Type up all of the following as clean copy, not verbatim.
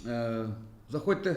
Заходьте.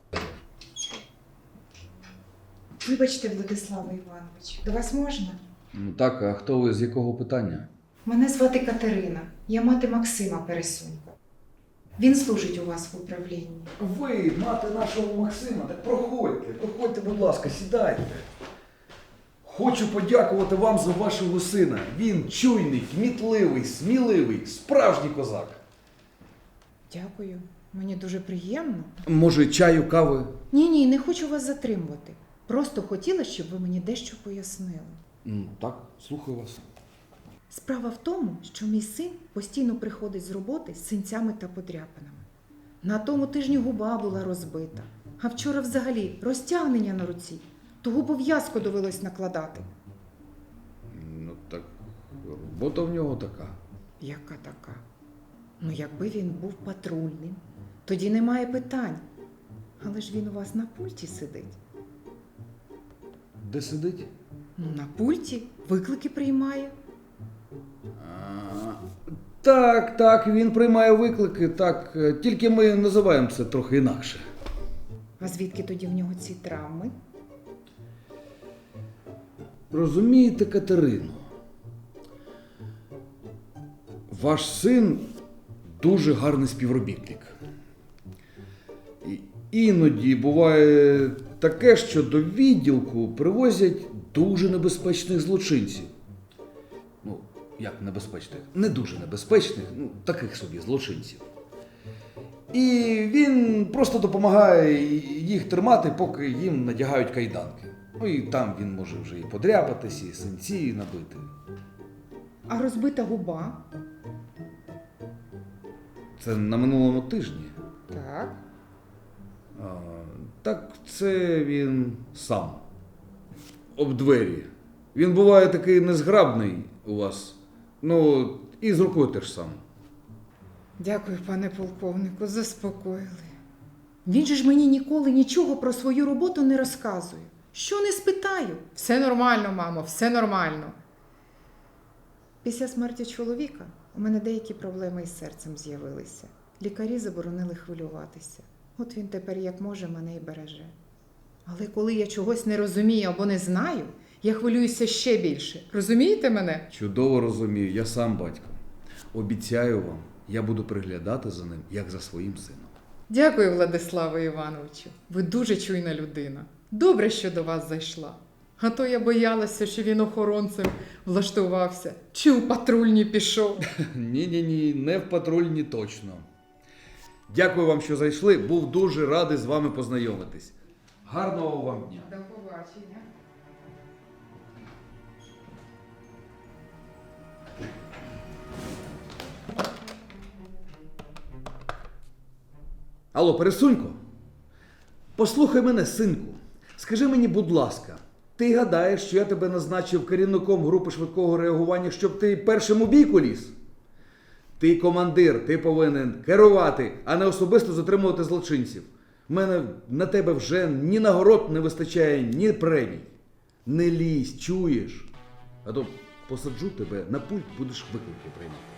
Вибачте, Владиславе Іванович, до вас можна? Ну так, а хто ви, з якого питання? Мене звати Катерина. Я мати Максима Пересунька. Він служить у вас в управлінні. Ви, мати нашого Максима, так проходьте, будь ласка, сідайте. Хочу подякувати вам за вашого сина. Він чуйний, кмітливий, сміливий, справжній козак. Дякую. Мені дуже приємно. Може, чаю, кави? Ні, не хочу вас затримувати. Просто хотіла, щоб ви мені дещо пояснили. Так, слухаю вас. Справа в тому, що мій син постійно приходить з роботи з синцями та подряпинами. На тому тижні губа була розбита, а вчора взагалі розтягнення на руці. Того пов'язку довелось накладати. Ну так, робота в нього така. Яка така? Ну, якби він був патрульним, тоді немає питань. Але ж він у вас на пульті сидить. Де сидить? Ну, на пульті виклики приймає. Так, він приймає виклики, так. Тільки ми називаємо це трохи інакше. А звідки тоді в нього ці травми? Розумієте, Катерино, ваш син дуже гарний співробітник. І іноді буває таке, що до відділку привозять дуже небезпечних злочинців. Ну, як небезпечних? Не дуже небезпечних, таких собі злочинців. І він просто допомагає їх тримати, поки їм надягають кайданки. Ну і там він може вже і подряпатись, і синці набити. А розбита губа? Це на минулому тижні. Так. Так це він сам. Об двері. Він буває такий незграбний у вас. Ну, і з рукою теж сам. Дякую, пане полковнику, заспокоїли. Він же ж мені ніколи нічого про свою роботу не розказує. Що не спитаю? Все нормально, мамо, все нормально. Після смерті чоловіка у мене деякі проблеми із серцем з'явилися. Лікарі заборонили хвилюватися. От він тепер як може мене і береже. Але коли я чогось не розумію або не знаю, я хвилююся ще більше. Розумієте мене? Чудово розумію, я сам батько. Обіцяю вам, я буду приглядати за ним, як за своїм сином. Дякую, Владиславе Івановичу. Ви дуже чуйна людина. Добре, що до вас зайшла. А то я боялася, що він охоронцем влаштувався, чи у патрульні пішов. Ні, не в патрульні точно. Дякую вам, що зайшли. Був дуже радий з вами познайомитись. Гарного вам дня. До побачення. Алло, Пересунько, послухай мене, синку. Скажи мені, будь ласка, ти гадаєш, що я тебе назначив керівником групи швидкого реагування, щоб ти першим у бійку ліз? Ти командир, ти повинен керувати, а не особисто затримувати злочинців. У мене на тебе вже ні нагород не вистачає, ні премій. Не лізь, чуєш? А то посаджу тебе на пульт, будеш виклики приймати.